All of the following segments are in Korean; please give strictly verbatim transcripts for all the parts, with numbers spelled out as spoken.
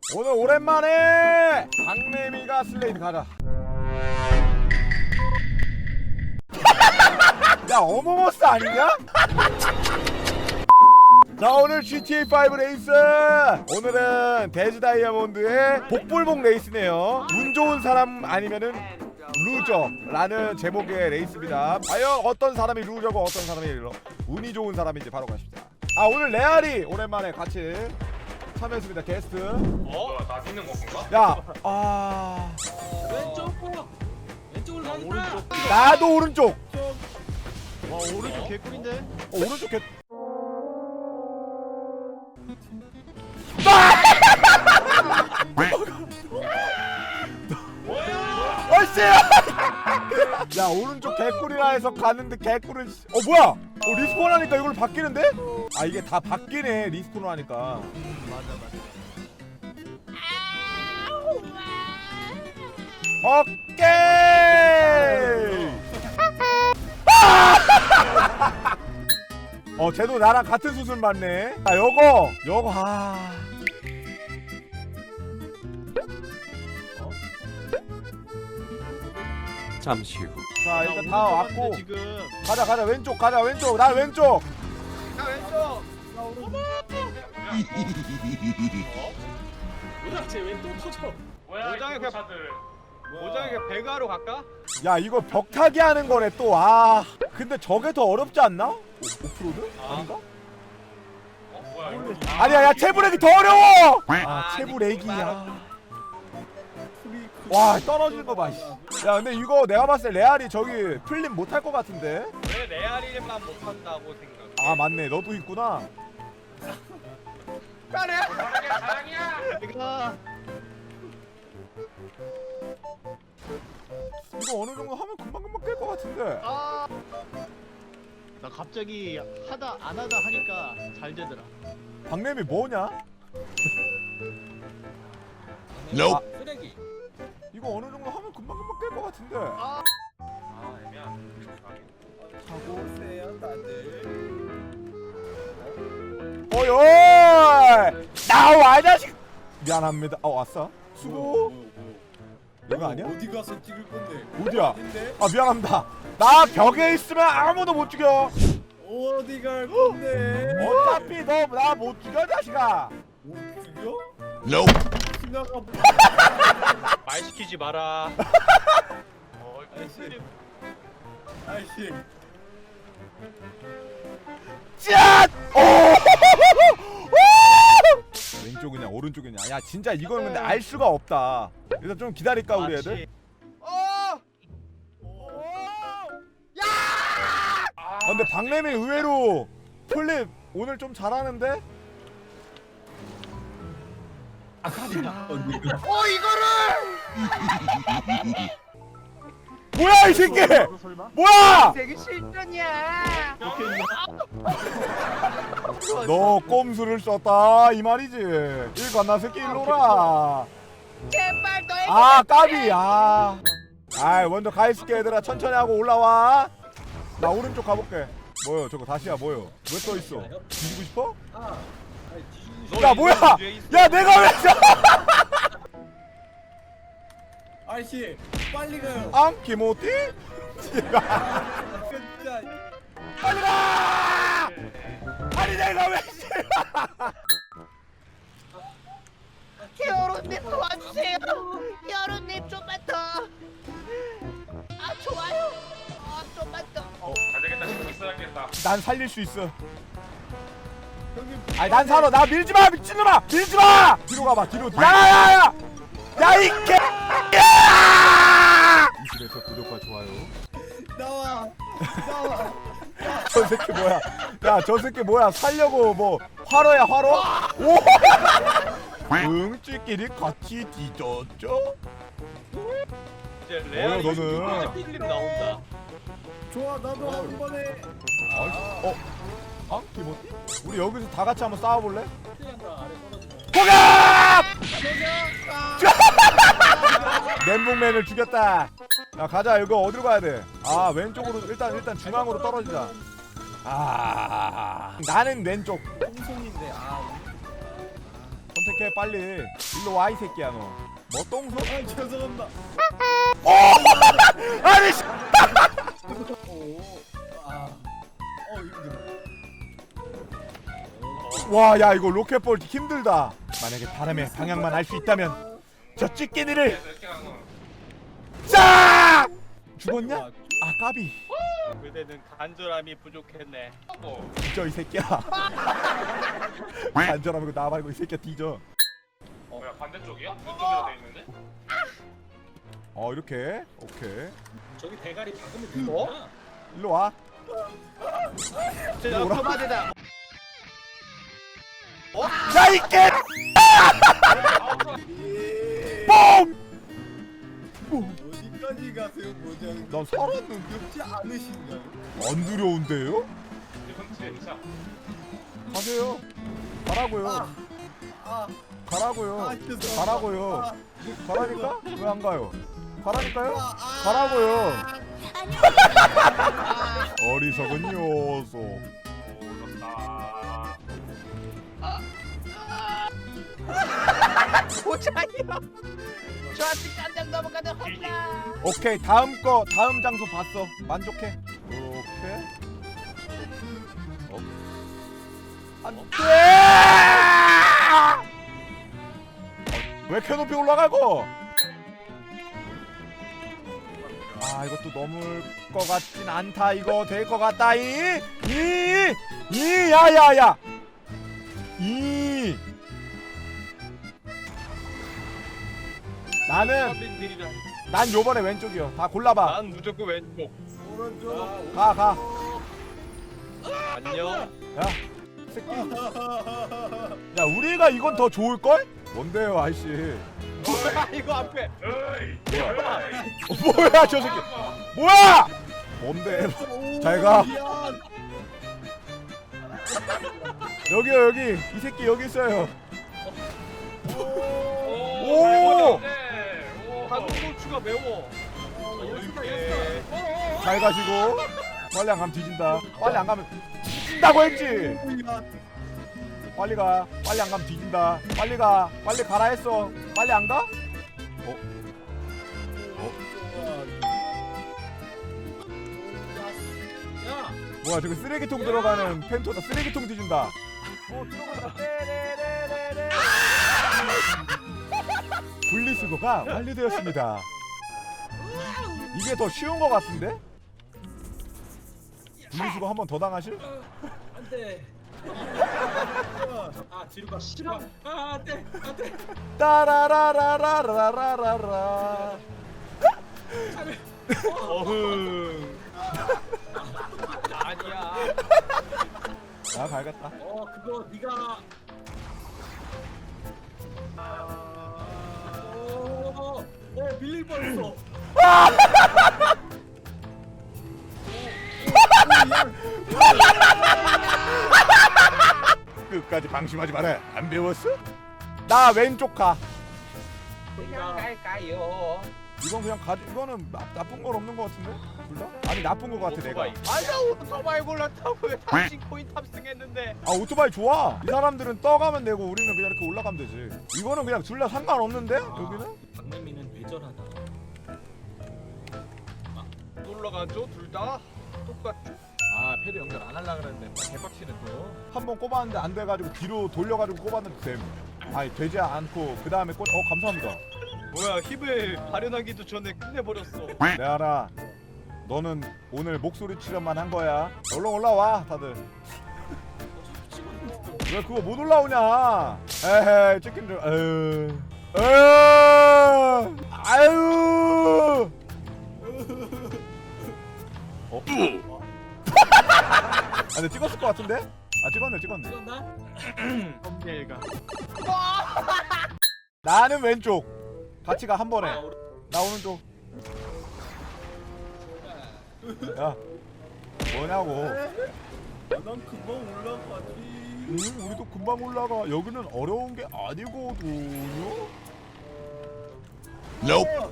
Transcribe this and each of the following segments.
오늘 오랜만에 박래미가 슬레이드 가자. 야 어머머스 아니냐? 자 오늘 지티에이 오 레이스, 오늘은 데즈 다이아몬드의 복불복 레이스네요. 운 좋은 사람 아니면은 루저라는 제목의 레이스입니다. 과연 어떤 사람이 루저고 어떤 사람이 운이 좋은 사람인지 바로 가십시다. 아 오늘 레알이 오랜만에 같이 참여했습니다. 게스트. 어? 나 믿는 건가? 야, 아 왼쪽 왼쪽으로 가겠다. 나도 오른쪽. 와 오른쪽 개꿀인데. 어, 오른쪽 개. 어이씨! 야 오른쪽 개꿀이라 해서 가는데 개꿀은 어 뭐야? 어 리스폰 하니까 이걸 바뀌는데? 아 이게 다 바뀌네 리스폰을 하니까. 맞아 맞아. 오케이. 어 쟤도 나랑 같은 수술 맞네. 아 요거 요거 아. 잠시 후. 자 일단 다 왔고 지금. 가자 가자 왼쪽 가자 왼쪽 나 왼쪽. 나 왼쪽. 나 오른쪽. 뭐야 쟤 왜 또 터져? 뭐야 모장에 이 그냥- 차들. 모장에 그냥 배가로 갈까? 야 이거 벽타기 하는 거네 또. 아 근데 저게 더 어렵지 않나? 오, 오프로드? 아닌가? 어 뭐야 이거? 아니야 야 채브렉이 더 어려워. 아 아, 채브렉이야. 와 떨어지는 거 봐. 씨. 야 근데 이거 내가 봤을 때 레알이 저기 플립 못할 것 같은데? 왜 레알이만 못한다고 생각? 아 맞네 너도 있구나. 까래. 사랑이야 사랑이야. 내가 이거 어느 정도 하면 금방금방 깰 것 같은데. 아. 나 갑자기 하다 안 하다 하니까 잘 되더라. 박래미 뭐냐? Nope. 아, 이거 어느 정도 하면 금방금방 깰 것 같은데. 아. 아 애매한. 하고 세요 다들. 어이 어이 나와 이 자식. 미안합니다. 어 왔어? 수고. 이거 아니야? 어디 가서 찍을 건데? 어디야? 근데 아 미안합니다. 나 벽에 있으면 아무도 못 죽여. 어디 갈 건데? 어차피 너 나 못 죽여 자식아. 못 죽여? Nope. 지나가. 말 시키지 마라. 어 아이씨. 아이씨. 짠! 오! 왼쪽이냐 오른쪽이냐. 야 진짜 이거는 근데 알 수가 없다. 일단 좀 기다릴까 우리 애들? 어. 아 근데 박래미 의외로 플립 오늘 좀 잘하는데? 어 이거를. 뭐야 이 새끼! 설마? 뭐야! 되게 실전이야. 너 꼼수를 썼다 이 말이지. 일 건나 새끼 일로라. 제발 너의 아 까비. 아. 아 먼저 가 있을게 얘들아. 천천히 하고 올라와. 나 오른쪽 가볼게. 뭐요 저거 다시야 뭐요? 왜 떠 있어? 뒤지고 싶어? 야 뭐야? 야 내가 왜 저? 아이씨, 빨리 가요. 앙 기모티? 진짜. 빨리 가! 아니 내가 왜? 여론님 도와주세요. 여론님 좀만 더. 아 좋아요. 아 좀만 더. 안 되겠다 지금 있어야겠다. 난 살릴 수 있어. 아니 난 살아. 나 밀지 마 미친놈아. 밀지 마. 뒤로 가봐 뒤로. 야야야. 야이 개. 이십에서 구독과 좋아요. 나와. 나와. 저 새끼 뭐야? 야 저 새끼 뭐야? 살려고 뭐 화로야 화로? 오! 응찌끼리 같이 뒤졌죠? 이제 뭐야, 레알이 너는? 필립 나온다. 좋아, 나도 한 번에. 어? 아? 기모티? 우리 여기서 다 같이 한번 싸워볼래? 공격! 멘붕맨을 죽였다. 야 가자. 이거 어디로 가야 돼? 아 왼쪽으로 일단 일단 중앙으로 떨어지자. 아 나는 왼쪽. 홍성인데 아. 선택해 빨리. 일로 와 이 새끼야 너. 뭐 똥손? 아 죄송합니다. 아니 씨. 오. 아. 어 힘들어. 와, 야 이거 로켓볼 힘들다. 만약에 바람의 방향만 알 수 있다면 저 찌개니를 이렇게 가는 거. 싹! 죽었냐? 아 까비. 그대는 간절함이 부족했네. 뭐. 뒤져 이 새끼야. 간절하고 나 말고 이 새끼야 뒤져. 뭐야 반대쪽이야? 이쪽이라 돼 있는데? 어 이렇게 오케이. 저기 대가리 박으면 되는구나. 일로 와. 저 뭐라? 그만이다. 야 이게 뽕! 어디까지 가세요 모장? 난 살았는데 두렵지 않으신가요? 안 두려운데요? 이건 진짜. 가세요. 가라고요. 아. 가라고요. 아, 죄송합니다. 가라고요. 아. 가라니까? 왜 안 가요? 가라니까요? 아, 아. 가라고요. 어리석은 녀석. 어렵다. 보자요. 저 아직 깜짝 넘어가는 험나. 오케이 다음 거 다음 장소 봤어. 만족해. 오케이. 어. 안돼. 왜 이렇게 높이 올라가고? 아 이것도 넘을 것 같진 않다. 이거 될 것 같다. 이 이 이 야야야 이 나는 서민들이라. 난 요번에 왼쪽이요. 다 골라봐. 난 무조건 왼쪽. 오른쪽. 가 가. 안녕. 야 새끼. 야 우리가 이건 더 좋을 걸? 뭔데요 아저씨? 이거 앞에. 에이. 뭐야? 어, 뭐야 저 새끼? 뭐야? 뭔데? 오, 잘 가. 미안. 여기요 여기. 이 새끼 여기 있어요. 오. 오! 오. 한국고추가 매워. 이렇게. 잘 가시고. 빨리 안 가면 뒤진다. 빨리 안 가면 뒤진다고 했지. 미안. 빨리 가. 빨리 안 가면 뒤진다. 빨리 가. 빨리 가라 했어. 빨리 안 가? 야. 뭐야 저기 쓰레기통 들어가는 펜토다. 쓰레기통 뒤진다. 어 들어가다. 떼레레레레. 분리수거가 완료되었습니다. 이게 더 쉬운 것 같은데? 분리수거 한 번 더 당하실? 안돼. 아 뒤로 가. 싫어. 아 안돼. 안돼. 따라라라라라라라. 어흥. 아니야. 아 갈겠다. 어 그거 네가. 어, 어 밀릴 뻔했어. 끝까지 방심하지 마라. 안 배웠어? 나 왼쪽 가. 그냥 갈까요? 이건 그냥 가. 이거는 나, 나쁜 건 없는 것 같은데? 둘 다? 아니 나쁜 것 같아 내가. 오토바이. 아나 오토바이 골랐다고 왜 당신 코인 탑승했는데? 아 오토바이 좋아. 이 사람들은 떠가면 되고 우리는 그냥 이렇게 올라가면 되지. 이거는 그냥 둘 다 상관없는데? 여기는? 박남이는 뇌절하다. 놀러 가죠 둘 다. 똑같죠. 아 패드 연결 안 하려고 그랬는데 개빡치네 또. 한 번 꼽았는데 안 돼가지고 뒤로 돌려가지고 꼽았는데 됨. 아니 되지 않고 그 다음에 꽂. 어 감사합니다. 뭐야 힘을 발현하기도 전에 끝내버렸어. 내 알아. 너는 오늘 목소리 출연만 한 거야. 얼른 올라와 다들. 왜 그거 못 올라오냐? 에헤이 찍힌 줄. 에휴. 에휴. 아유. 어? 아 근데 찍었을 것 같은데? 아 찍었네 찍었네. 썸네일가. 나는 왼쪽. 같이 가 한 번에. 나 오른쪽. 야 뭐냐고. 난 금방 올라가지. 응 우리도 금방 올라가. 여기는 어려운 게 아니거든요. Nope.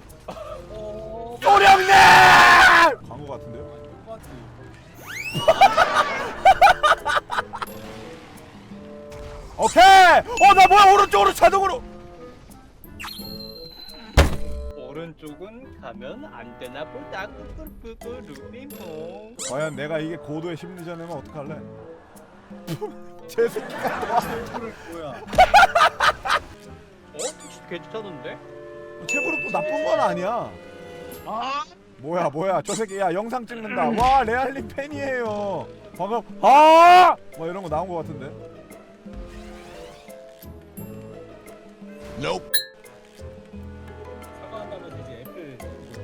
소령님! 광고 같은데요? 똑같지. 오케이. 어 나 뭐야 오른쪽으로 자동으로. 오른쪽은 가면 안 되나 보다. 꾸꾸꾸꾸 루비몽. 과연 내가 이게 고도의 심리전이면 어떡할래? 제 새끼가 또 와. 뭐야? 어? 택시 괜찮은데? 채부로 또 나쁜 건 아니야. 아 뭐야 뭐야 저 새끼 야 영상 찍는다. 와 레알리 팬이에요. 방금 아! 뭐 이런 거 나온 거 같은데. Nope. 사과한다면 되지 애플.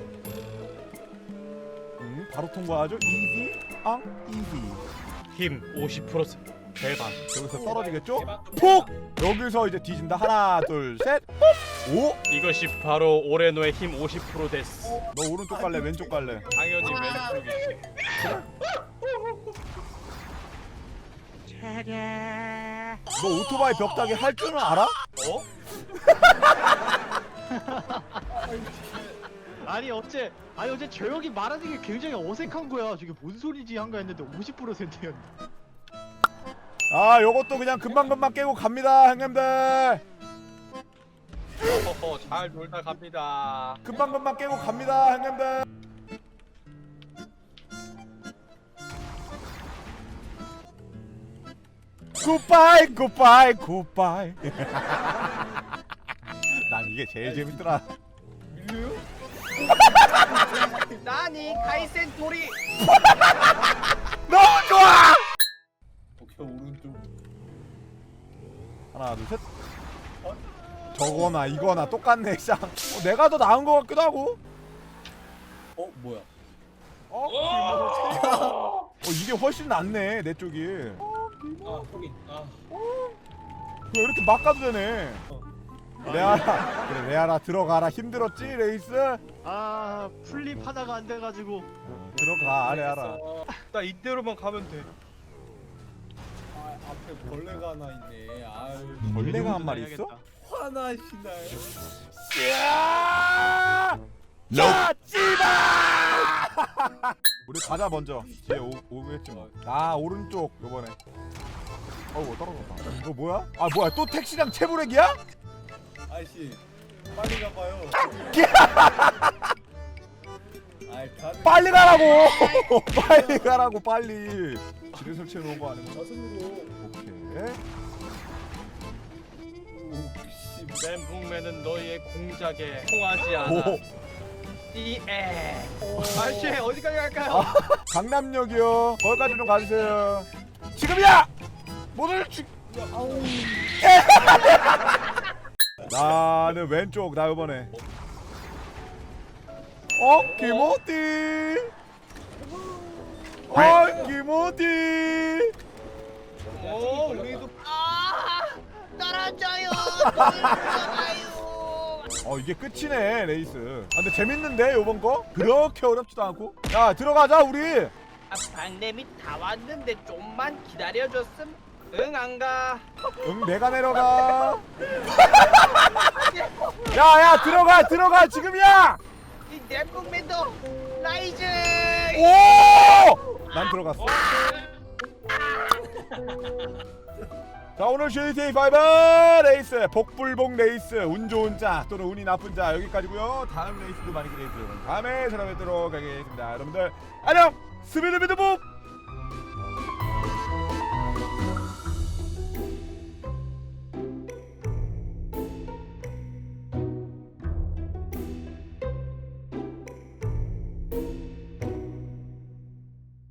음, 바로 통과하죠. 이지 앙 이지. 힘 오십 퍼센트 대박. 여기서 떨어지겠죠? 폭! 여기서 이제 뒤진다. 하나 둘 셋. 오! 이것이 바로 오레노의 힘 오십 퍼센트 됐어. 너 오른쪽 갈래 왼쪽 갈래? 당연히 왼쪽이지. 너 오토바이 벽타기 할 줄은 알아? 어? 아니 어째 아니 어제 저 형이 말하는 게 굉장히 어색한 거야. 저게 뭔 소리지 한가 했는데 오십 퍼센트였네. 아 요것도 그냥 금방금방 깨고 갑니다 형님들. 허허 잘 놀다 갑니다. 금방금방 깨고 갑니다 형님들. 굿바이 굿바이 굿바이. 난 이게 제일 재밌더라. 나니 카이센 도리. 너무 좋아. 오케이 오른쪽. 하나 둘 셋. 저거나 이거나 똑같네 쌍. 어, 내가 더 나은 것 같기도 하고. 어 뭐야? 어? 어 이게 훨씬 낫네 내 쪽이. 아 소리. 아. 왜 이렇게 막 가도 되네. 레아라 그래 레아라 들어가라. 힘들었지 레이스? 아 풀립 하다가 안 돼가지고. 들어가 레아라. 나 이대로만 가면 돼. 아 앞에 벌레가 하나 있네. 아유. 벌레가 한 마리 있어? 화나시나요? 야! 자, 씨발! 우리 가자 먼저. 뒤에 오, 오겠지 뭐. 아 오른쪽 요번에. 어우 떨어졌다. 이거 뭐야? 아 뭐야 또 택시랑 채브렉이야? 아이씨 빨리 가봐요. 아이 다들 빨리 가라고! 빨리 가라고 빨리. 지뢰 설치해 놓은 거 아니면? 저승으로. 오케이. 오씨. 멘붕맨은 너희의 공작에 통하지 않아. 오. 이에. 아저씨 어디까지 갈까요? 강남역이요. 거기까지 좀 가주세요. 지금이야! 모두를 죽. 나는 왼쪽 나 이번에. 어 김호띠. 어 김호띠. 오 우리도 아 떨어져요. 떨어져요. 어 이게 끝이네 레이스. 아, 근데 재밌는데 요번 거? 그렇게 어렵지도 않고. 야 들어가자 우리. 아, 박냄이 다 왔는데 좀만 기다려줬음. 응 안 가. 응 내가 내려가. 야야 들어가 들어가 지금이야. 이 멘붕맨도 라이즈. 오! 난 들어갔어. 자 오늘 지티에이 파이브 레이스 복불복 레이스 운 좋은 자 또는 운이 나쁜 자 여기까지고요. 다음 레이스도 많이 기대해 주세요. 다음에 찾아뵙도록 하겠습니다. 여러분들 안녕 스비드비드복.